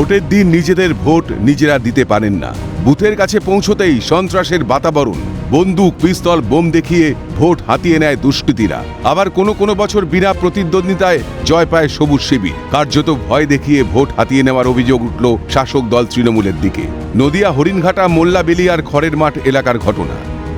ভোটের দিন নিজেদের ভোট নিজেরা দিতে পারেন না। বুথের কাছে পৌঁছতেই সন্ত্রাসের বাতাবরণ, বন্দুক, পিস্তল, বোম দেখিয়ে ভোট হাতিয়ে নেয় দুষ্কৃতীরা। আবার কোনো বছর বিনা প্রতিদ্বন্দ্বিতায় জয় পায় সবুজ শিবির। কার্যত ভয় দেখিয়ে ভোট হাতিয়ে নেওয়ার অভিযোগ উঠল শাসক দল তৃণমূলের দিকে। নদিয়া হরিণঘাটা মোল্লাবেলিয়ার খড়ের মাঠ এলাকার ঘটনা।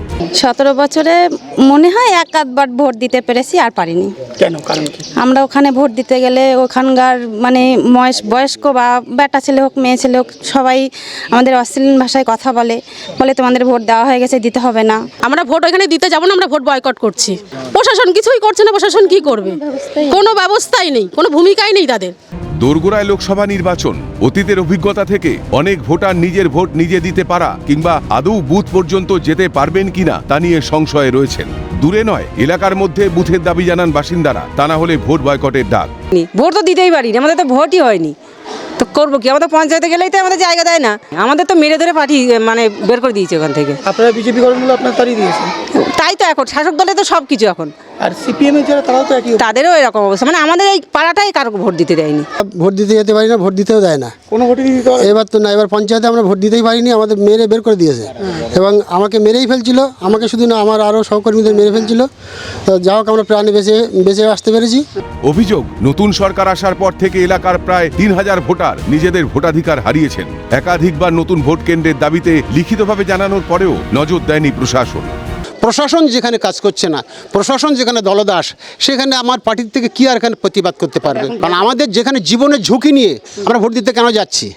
17 বছরে মনে হয় এক আধবার ভোট দিতে পেরেছি, আর পারিনি। কেন, কারণ কি? আমরা ওখানে ভোট দিতে গেলে ওখানকার মানে বয়স্ক বা বেটা ছেলে হোক মেয়ে ছেলে হোক সবাই আমাদের অশ্লীল ভাষায় কথা বলে তোমাদের ভোট দেওয়া হয়ে গেছে, দিতে হবে না। আমরা ভোট ওইখানে দিতে যাবো না, আমরা ভোট বয়কট করছি। প্রশাসন কিছুই করছে না। প্রশাসন কি করবে? কোনো ব্যবস্থাই নেই, কোনো ভূমিকাই নেই তাদের। দোরগোড়ায় লোকসভা নির্বাচন। অতীতের অভিজ্ঞতা থেকে অনেক ভোটার নিজের ভোট নিজে দিতে পারা কিংবা আদৌ বুথ পর্যন্ত যেতে পারবেন কিনা তা নিয়ে সংশয়ে রয়েছেন। দূরে নয়, এলাকার মধ্যে বুথের দাবি জানান বাসিন্দারা, তা না হলে ভোট বয়কটের ডাক। ভোট তো দিতেই পারিনি, আমাদের তো ভোটই হয়নি, তো করবো কি? আমাদের পঞ্চায়েতে গেলেই তো আমাদের জায়গা দেয় না। আমাদের তো মেরে ধরে পাঠিয়ে মানে বের করে দিয়েছে ওখান থেকে। আপনারা বিজেপি করেন বলে আপনার তাড়িয়ে দিয়েছেন। তাই তো এখন শাসক দলে তো সব কিছু এখন। আর সিপিএম এর যারা তারাও তো একই, তাদেরও এরকম অবস্থা, মানে আমাদের এই পাড়াটাই কারো ভোট দিতে দেয়নি। ভোট দিতে যেতে পারি না, ভোট দিতেও দেয় না। কোনো ভোটই দিতে পারে এবার তো না, এবার পঞ্চায়েতে আমরা ভোট দিতেই পারিনি, আমাদের মেরে বের করে দিয়েছে। এবং আমাকে মেরেই ফেলছিল, আমাকে শুধু না আমার আরও সহকর্মীদের মেরে ফেলছিল। তো যা হোক আমরা প্রাণে বেঁচে আসতে পেরেছি। অভিযোগ, নতুন সরকার আসার পর থেকে এলাকার প্রায় 3000 ভোটার নিজেদের ভোটাধিকার হারিয়েছেন। একাধিকবার নতুন ভোট কেন্দ্রের দাবিতে লিখিতভাবে জানানোর পরেও নজর দেয়নি প্রশাসন। প্রশাসন যেখানে কাজ করছে না, প্রশাসন যেখানে দলদাস, সেখানে আমার পার্টির থেকে কি আর এখানে প্রতিবাদ করতে পারবে? কারণ আমাদের যেখানে জীবনের ঝুঁকি নিয়ে আমরা ভোট দিতে কেন যাচ্ছি?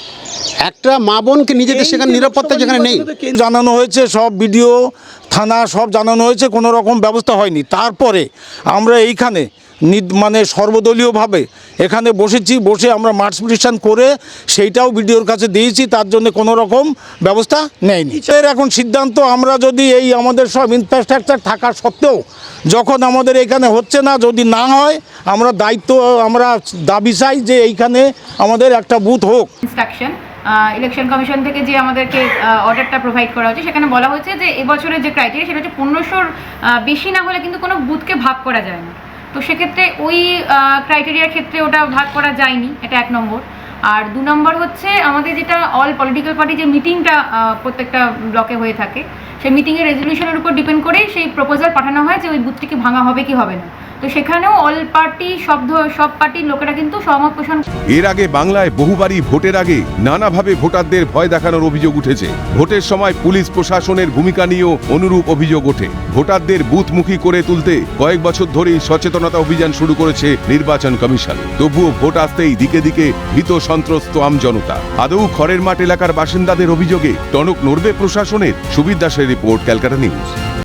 একটা মা বোনকে নিজেদের সেখানে নিরাপত্তা যেখানে নেই। জানানো হয়েছে, সব বিডিও থানা সব জানানো হয়েছে, কোনো রকম ব্যবস্থা হয়নি। তারপরে আমরা এইখানে মানে সর্বদলীয়ভাবে এখানে বসে আমরা মার্চ পিটিশন করে সেইটাও বিডিওর কাছে দিয়েছি, তার জন্য কোনো রকম ব্যবস্থা নেয়নি। এর এখন সিদ্ধান্ত, আমরা যদি এই আমাদের সব ইনফ্রাস্ট্রাকচার থাকা সত্ত্বেও যখন আমাদের এখানে হচ্ছে না, যদি না হয় আমরা আমরা দাবি চাই যে এইখানে আমাদের একটা বুথ হোক। ইনস্ট্রাকশন ইলেকশন কমিশন থেকে যে আমাদেরকে অর্ডারটা প্রোভাইড করা হয়েছে, সেখানে বলা হয়েছে যে এবছরের যে ক্রাইটেরিয়া সেটা হচ্ছে 1500-র বেশি না হলে কিন্তু কোনো বুথকে ভাগ করা যায় না। তো সেক্ষেত্রে ওই ক্রাইটেরিয়ার ক্ষেত্রে ওটা ভাগ করা যায়নি, এটা 1 নম্বর। আর 2 নম্বর হচ্ছে আমাদের যেটা অল পলিটিক্যাল পার্টি যে মিটিংটা প্রত্যেকটা ব্লকে হয়ে থাকে, সেই মিটিংয়ের রেজলিউশনের উপর ডিপেন্ড করেই সেই প্রপোজাল পাঠানো হয় যে ওই বুথটিকে ভাঙা হবে কি হবে না। তো সেখানেও অল পার্টি সব পার্টির লোকেরা কিন্তু সহমত পোষণ। এর আগে বাংলায় বহুবারই ভোটের আগে নানাভাবে ভোটারদের ভয় দেখানোর অভিযোগ উঠেছে। ভোটের সময় পুলিশ প্রশাসনের ভূমিকা নিয়েও অনুরূপ অভিযোগ ওঠে। ভোটারদের বুথমুখী করে তুলতে কয়েক বছর ধরেই সচেতনতা অভিযান শুরু করেছে নির্বাচন কমিশন। তবুও ভোট আসতেই দিকে দিকে ভীত সন্ত্রস্ত আমজনতা। আদৌ খড়ের মাঠ এলাকার বাসিন্দাদের অভিযোগে টনক নড়বে প্রশাসনের? সুবীর দাসের রিপোর্ট, ক্যালকাটা নিউজ।